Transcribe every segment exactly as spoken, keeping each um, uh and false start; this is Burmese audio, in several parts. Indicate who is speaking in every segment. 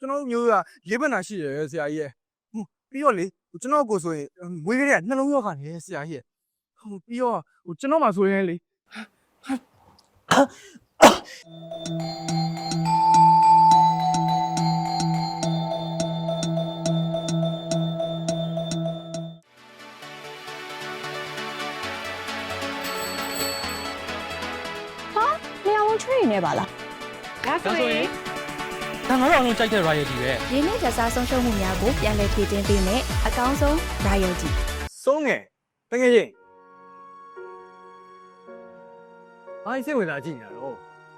Speaker 1: ကျွန်တော်မျိုးကလေးပတ်နာရှိတယ်ဆရာကြီးရဲ့ဟိုပြီးတော့လေကျွန်တော်ကိုဆိုရင်မွေးကလေးကနှလုံးရောဂါနေဆရာကြီးရဲ့ဟိုပြီးတော့ဟိုကျွန်တော်မှဆိုရင်လေ
Speaker 2: ချွေနေပါလားဒါဆိုရင်
Speaker 3: ဒါငါတို့အလုံးကြိုက်တဲ့ royalty ပဲ
Speaker 2: ရင်းနှီးကြစားဆုံးရှုံးမှုများကိုပြန်လည်ဖြည့်တင်းပေးမယ်အကောင်းဆုံး royalty
Speaker 1: ဆုံးငယ်တကယ်ချင်းဘာစိတ်ဝင်စားကြည့်နေရတော့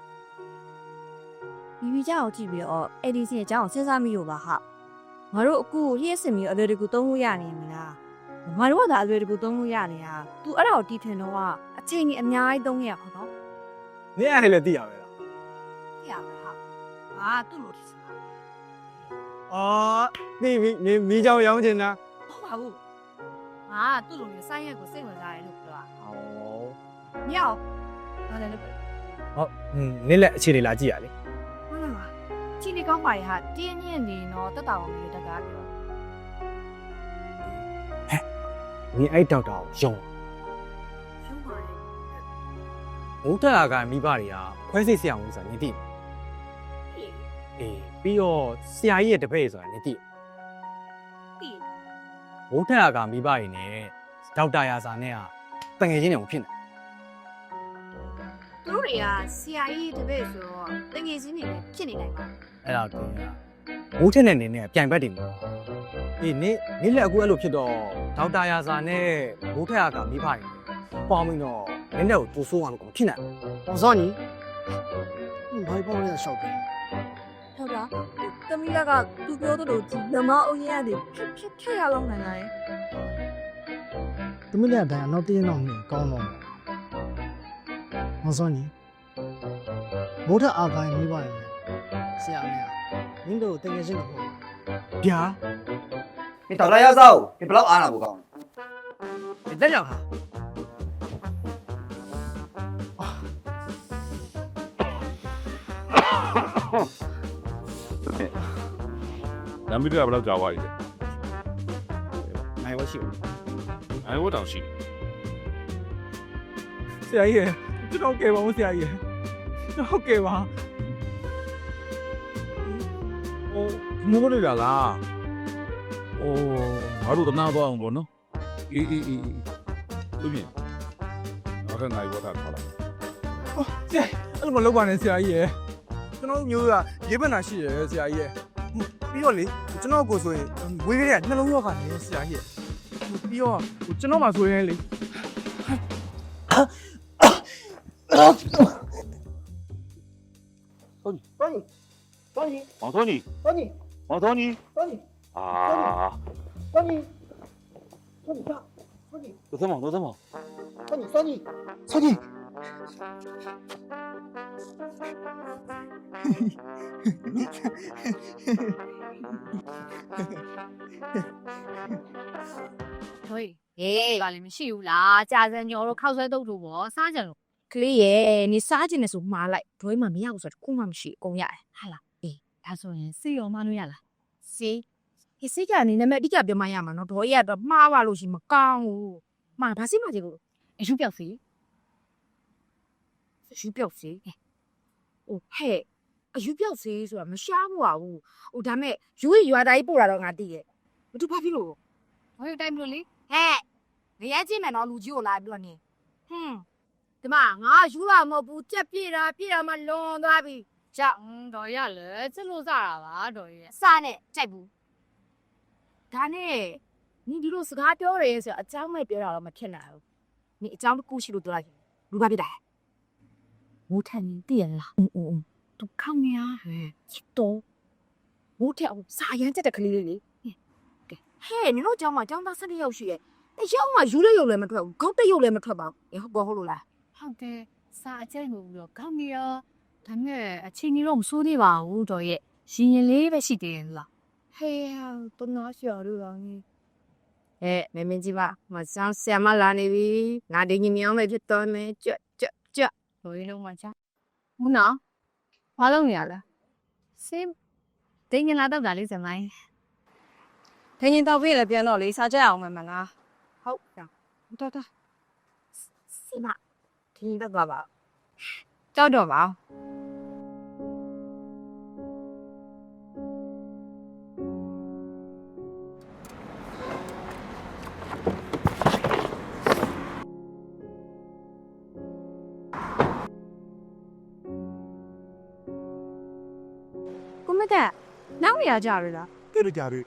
Speaker 2: မိမိကြောင်ကြည့်ပြီးတော့အဲ့ဒီစီအကြောင်းစဉ်းစားမိလို့ပါဟာငါတို့အခုလျှက်စင်ပြီးအလွယ်တကူသုံးလို့ရနေမလားငါတို့ကသာအလွယ်တကူသုံးလို့ရနေတာ तू အဲ့ဒါကိုတီးထင်တော့ကအချိန်ကြီးအများကြီးသုံးရပါတော့
Speaker 1: နင်းအဲ့လည်းသိရပဲလား
Speaker 2: သိရပါဟာဟာသူ့လိုဒီစမှာ
Speaker 1: အော်နေမီနေမီးကြောင်ရောင်းချင်တာ
Speaker 2: ဟုတ်ပါဘူးဟာသူ့လိုမျိုးစိုင်းရက်ကိုစိတ်ဝင်စားတယ်လို့ပြောတာ
Speaker 1: ဟော
Speaker 2: မြောက်ဘာလဲလို့
Speaker 1: ဟုတ်နင်းလက်အခြေလေးလာကြည့်ရလေ
Speaker 2: ဟုတ်လားချီနေကောင်းပါရဲ့ဟာတင်းညင်းနေတော့တက်တာအောင်လေးတကားပြော
Speaker 1: နင်းအဲ့ဒေါက်တာကိုယုံ
Speaker 2: ရှုံးပါရဲ့
Speaker 1: ဘုဒ္ဓအာဂါမိဘတွေကခွဲစိတ်ဆရာဝန်ဆိုတာနင်းသိအေးပြီးတော့ဆရာကြီးရဲ့တပည့်ဆိုတာနင်းသိ
Speaker 2: တိ
Speaker 1: ဘုဒ္ဓအာဂါမိဘတွေနဲ့ဒေါက်တာရာစာနဲ့ကတငယ်ချင်းတွေဖြစ်နေ
Speaker 2: သူတို့တွေကဆရာကြီးတပည့်ဆိုတော့တငယ်ချင်းတွေလည်းဖြစ်နေနိုင်ပါ
Speaker 1: အဲ့ဒါကိုဘိုးထက်နဲ့နင်းနဲ့ပြိုင်ဘက်တွေမှာအေးနင်းနင်းလက်အခုအဲ့လိုဖြစ်တော့ဒေါက်တာရာစာနဲ့ဘုဒ္ဓအာဂါမိဘတွေပေါင်းပြီးတော့နင်းလက်ကိုတူဆိုးအောင်လို့ဖြစ်နေ
Speaker 4: 我说你，你还帮我小兵，
Speaker 2: ဟုတ်လားသမီးကသူပြောသလိုဒီလမအုပ်ရည်တွေဖြစ်ဖြစ်ဖြစ်ရအောင်နိုင်နိုင်
Speaker 4: 怎么两单那电脑没搞弄？我说你，我这阿干没办法，是啊没啊，你都等个什么？
Speaker 1: ဗျာ
Speaker 5: 你到底要走？你不老安了不讲？
Speaker 1: 你等下哈
Speaker 6: နမ်ဘီတွေကဘယ်လောက်ကြာသွားပြီလဲ
Speaker 1: နိုင်ဝရှိဘူး
Speaker 6: အဲဝတ်တောင်ရှိ
Speaker 1: ဆရာကြီးရကျွန်တော်ကယ်ပါဦးဆရာကြီးရကျွန်တော်ကယ်ပါဟို
Speaker 6: ငိုးနေတာလားအိုးငါတို့တနာသွားအောင်ပေါ့နော်အေးအေးအေးသူပြင်ငါကနိုင်ဝတ်တာထားလိုက်
Speaker 1: ဆရာအဲ့လိုမလုပ်ပါနဲ့ဆရာကြီးရကျွန်တော်မျိုးကလေးပတ်နာရှိတယ်ဆရာကြီးရပြီးတော့လေကျွန်တော်ကိုဆိုရင်ဝေးကလေးကနှလုံးရောဂါနေဆရာကြီးရပြီးတော့ကျွန်တော်မှဆိုရင်လေ
Speaker 5: 说你，说你，说你，
Speaker 6: 王托尼
Speaker 5: 说你，
Speaker 6: 王托尼
Speaker 5: 说你，
Speaker 6: 啊
Speaker 5: 说你，说你爸，说你，
Speaker 6: 都怎么都怎么
Speaker 5: 说你，说你，说你。
Speaker 2: ဟိုဟေးကလည်းမရှိဘူးလားကြာစံညော်တို့ခောက်ဆွဲတုပ်တို့ပေါ့စားကြလို့ကလေးရဲ့နေစားကြနေဆိုမှားလိုက်ဒွေးမှမရဘူးဆိုတော့ခုမှမရှိအကုန်ရတယ်ဟာလားအေးဒါဆိုရင်စီရောမလို့ရလားစီဟေးစီကနေနံပါတ်အတိအကျပြောမှရမှာနော်ဒေါ်ကြီးကတော့မှားပါလို့ရှိမကောင်းဘူးမှားဘာစီမှကြည့်လို့အယူပြောက်စီအယူပြောက်စီဟိုဟဲ့အယူပြောက်စီဆိုတာမရှားဘူးပါဘူးဟိုဒါမဲ့ယူရွာသားကြီးပို့တာတော့ငါသိရဲ့ဘာသူဘာဖြစ်လို့ဘာယူတိုင်းမလို့လေဟဲ့ငရဲချင်းမယ်နော်လူကြီးကိုလာပြီးတော့နေဟွန်းဒီမှာငါယူလာမဟုတ်ဘူးကြက်ပြေတာပြေတာမှလွန်သွားပြီကြောက်တော်ရလေစစ်လို့စားတာပါတော်ရစားနဲ့ကြိုက်ဘူးဒါနဲ့နင်ဒီလိုစကားပြောရဲဆိုအကြောင်းမဲ့ပြောတာတော့မဖြစ်နိုင်ဘူးနင်အကြောင်းတစ်ခုရှိလို့ပြောလိုက်လူဘာဖြစ်တာမိုးထန်တည်ရလားအင်းအင်းသူခေါင်းရဟဲ့ချစ်တော့မိုးထက်အောင်စာရမ်းချက်တဲ့ကလေးလေးလေဟဲ့နင်တို့ကြောင်းမှာကြောင်းသား၁၂ယောက်ရှိရဲ့တယောက်မှယူလို့ရုပ်လည်းမထွက်ဘူးခေါင်းတက်ရုပ်လည်းမထွက်ပါဘူးဟုတ်ကောဟုတ်လို့လား
Speaker 7: ဟုတ်တယ်စာအကျဉ်းကိုပြီးတော့ကောင်းနေရောဒါပေမဲ့အချိန်ကြီးတော့မစိုးသေးပါဘူးတော်ရဲ့ရှင်ရင်လေးပဲရှိသေးတယ်လား
Speaker 2: ဟေးဟာတနာရှာရတော့ငင်းအဲမမင်းကြီးပါမဆောင်ဆရာမလာနေပြီငါဒီညမြောင်းပဲဖြစ်တော်မယ်ကြွကြွကြွ
Speaker 7: တော်ရဲ့လုံးမှာချဟုတ်နော်ဘာလုပ်နေရလဲစင်းတင်းငင်လာတော့တာလေးစမိုင်း
Speaker 2: ဒင်းရင်တော့ပြေးလည်းပြန်တော့လေစားကြအောင်မယ်မလားဟုတ်ကြောင်တော်တော်စီမဒီတော့ပါပါကြောက်တော့ပါ ကိုမတဲ့နောက်ရကြရလား
Speaker 1: တဲ့ကြရ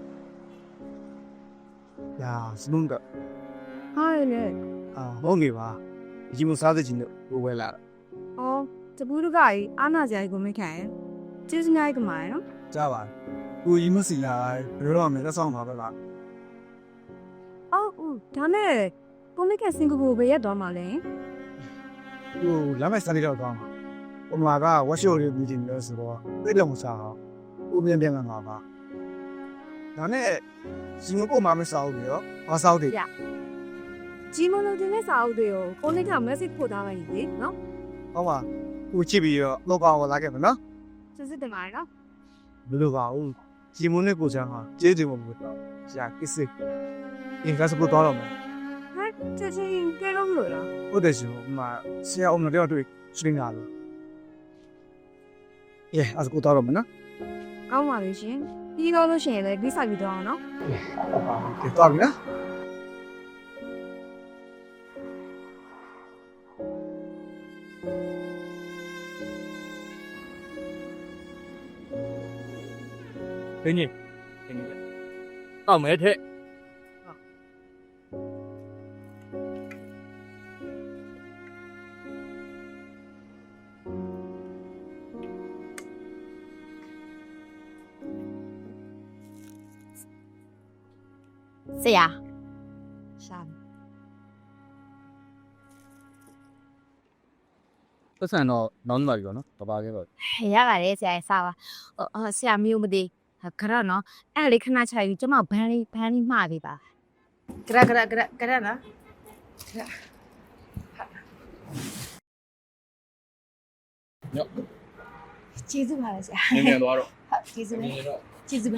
Speaker 1: ညာစလုံးက
Speaker 2: ဟာလေ
Speaker 1: အာဟုတ်ကဲ့ပါဒီမစားတဲ့ချင်းကိုဝဲလာ
Speaker 2: အော်တပူးတကကြီးအာနာစရာကြီးကိုမခံရင်ကျေးဇူးများကြီးကမှာနော်
Speaker 1: ကြပါကိုကြီးမစီလာဘယ်တော့မှလက်ဆောင်ပါပဲလား
Speaker 2: အော်ဦးဒါနဲ့ကိုမကစင်ကာပူပဲရက်သွားမှာလဲ
Speaker 1: ဟိုလမ်းမစားလေးတော့ကောင်းပါဟိုမှာကဝက်ရှိုလေးမီတင်လို့ဆိုတော့သိတယ်မစားအောင်ဦးပြန်ပြန်မှာပါဒါနဲ့စင်ကာပူမှာမစားဘူးရောဘာစားတယ်
Speaker 2: ဂျီမိုလိုတင်နဲ့စာအုပ်တွေကိုကိုမကမက်ဆေ့ပို့ထားလိုက်ပြီနော်
Speaker 1: ဟုတ်ပါကိုချစ်ပြီးတော့လောက်ကောင်လာခဲ့မယ်နော်
Speaker 2: စစ်စစ်တင်ပါနော်
Speaker 1: ဘယ်လိုပါဦးဂျီမွန်နဲ့ကိုချမ်းဟာကျေးဇူးမလို့တော့ဆရာကစ်စစ်အင်္ဂါစပူတော့မယ်
Speaker 2: ဟဲ့ချက်ချင်းကဲလို့မလို့လား
Speaker 1: ဟုတ်တယ်ရှင်ဟိုမှာဆရာအုံတော့တွေ့စရင်းလာလို့เย้အစကူတော့မယ်နော်
Speaker 2: ကောင်းပါပြီရှင်ပြီးတော့လို့ရှိရင်လည်းဂိဆိုင်ပြီးတော့အောင်နော်
Speaker 1: ကဲတော့ပြီနော်
Speaker 5: ဒင်းကြီးဒင်းကြီးတောက်မဲထက်
Speaker 7: ဆရာ
Speaker 2: ရှာ
Speaker 5: ပတ်စံတော့နောင်းနေပါပြီပေါ့နော်တပါခဲ့ပါ
Speaker 7: ရပါတယ်ဆရာစားပါအော်ဆရာမျိုးမသိခရနော်အဲ့လေခဏချယူကျမဘန်းလေးဘန်းလေးမှားပေးပါ
Speaker 2: ကရကရကရကရနော်
Speaker 7: ကျေးဇူးပါဆရာ
Speaker 5: နင်းနေသွားတော့
Speaker 7: ဟုတ်ကျေးဇူးပဲကျေးဇူးပဲ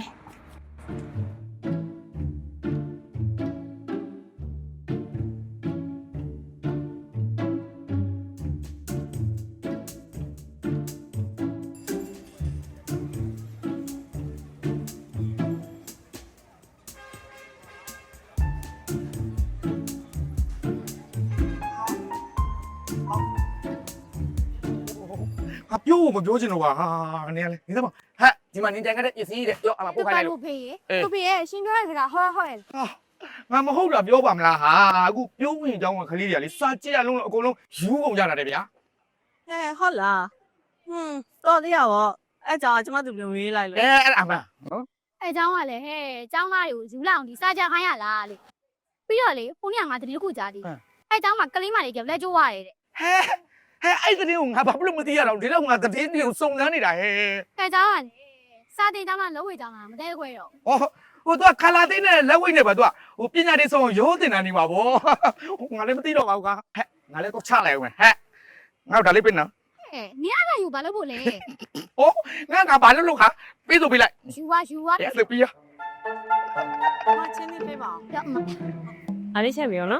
Speaker 1: ဟာပြောမပြောချင်တော့ပါဟာနင်ကလေနေတော့
Speaker 5: ဟဲ့ဒီမှာနင်းကြိုင်ခဲ့တဲ့ပစ္စည်းတွေပြောအမပို့ခိုင်းလိုက်လို့
Speaker 2: ဖေးကိုဖေးရဲ့ရှင်ပြောတဲ့စကားဟောဟောရဲ့
Speaker 5: ဟာငါမဟုတ်တာပြောပါမလားဟာအခုပြုံးဝင်အကြောင်းကခလေးတွေကလေစာကြည့်ရလုံးလုံးအကုန်လုံးယူကုန်ကြတာတဲ့ဗျာ
Speaker 3: ဟဲ့ဟုတ်လားဟွန်းတော်သေးရပါအဲ့ကြောင့်ကျွန်မတို့ပြန်ရေးလိုက်လေ
Speaker 5: အဲအဲ့ဒါမှနော်
Speaker 8: အဲเจ้าကလည်းဟဲ့เจ้าသားတွေကိုယူလောက်အောင်ဒီစားကြခိုင်းရလားလေပြီးတော့လေခုနေ့ကငါတတိတစ်ခုကြားသေးအဲเจ้าမှာကလေးမလေးကလက်ကျိုးရတယ်တဲ့
Speaker 5: ဟဲ့ဟဲ့အဲ့တဲ့ကိုငါဘာလို့မသိရတော့ဒီတော့ငါတည်င်းတွေကိုစုံစမ်းနေတာဟဲ့
Speaker 8: အဲเจ้าကလေစားတင်เจ้าမှာလုံးဝเจ้าကမတဲခွဲတော့
Speaker 5: ဟောဟိုတော့ခလာသိန်းနဲ့လက်ဝိတ်နဲ့ပါသူကဟိုပညာရေးဆုံးရောတင်တာနေပါဗောငါလည်းမသိတော့ပါဘူးကွာဟဲ့ငါလည်းတော့ချလိုက်အောင်ဟဲ့ငါတို့ဒါလေးပြင်နော်
Speaker 8: ဟဲ့နင်အဲ့ဒါယူဘာလို့ဖို့လဲ
Speaker 5: ဟောငါငါဘာလို့လုပ်ခါပြေးဆိုပေးလိုက်
Speaker 8: ယူပါယူပါ
Speaker 5: ရဲဆိုပြီးရ
Speaker 3: မချင်းနေပေးပါအောင်
Speaker 8: ကြောက်မ
Speaker 3: အားလေးချက်ပြီရောနော်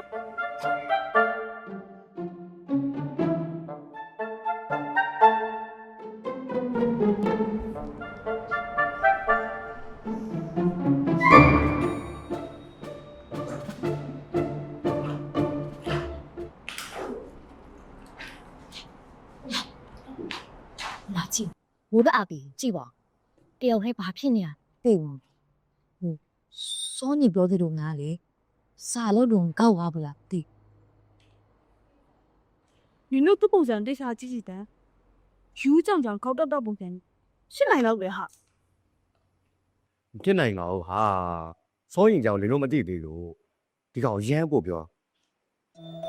Speaker 7: လာကြည့်မိုးတအားပြီကြည့်ပါတယောက်ထဲဘာဖြစ်နေရသိဘူးဟိုစောနေပြောသေးတော့ငါလေစာလို့တော့ကောက်သွားဘူးလားသိ
Speaker 3: ဒီလိုသူ့ပုံစံတိတ်စားကြည့်ကြည့်တန်းယူကြောင်ကြောင်ခောက်တော့တော့ပုံစံရှင်းနိုင်တော့ပဲဟာ
Speaker 9: ဖြစ်နိုင်တော့ဟာစိုးရင်ကြောင့်လင်းလို့မသိသေးလို့ဒီကောင်ရမ်းပို့ပြော